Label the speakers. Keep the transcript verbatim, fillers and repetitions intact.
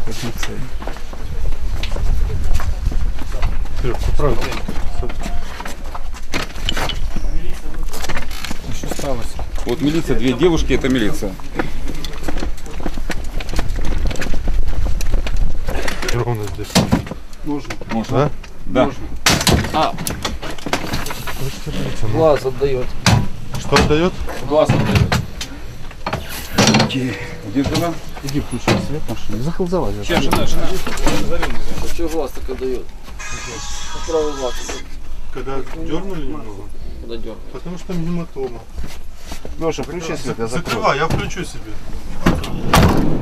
Speaker 1: лицей. Что сталось?
Speaker 2: Вот милиция, две девушки, это милиция.
Speaker 3: Ровно здесь.
Speaker 1: Можно.
Speaker 2: Можно?
Speaker 3: Да?
Speaker 2: Да.
Speaker 1: Можно.
Speaker 2: А,
Speaker 1: Глаз отдает.
Speaker 3: Что отдает?
Speaker 1: Глаз отдает.
Speaker 2: где жена?
Speaker 1: Иди включи свет машины. Захол залазит.
Speaker 2: Чья жена? Жена.
Speaker 1: Что глаз так отдает? Правый глаз.
Speaker 3: Когда дернули немного?
Speaker 1: Куда дернул?
Speaker 3: Потому что там гематома.
Speaker 1: Леша, включи свет, я закрою.
Speaker 3: Закрывай, я включу себе.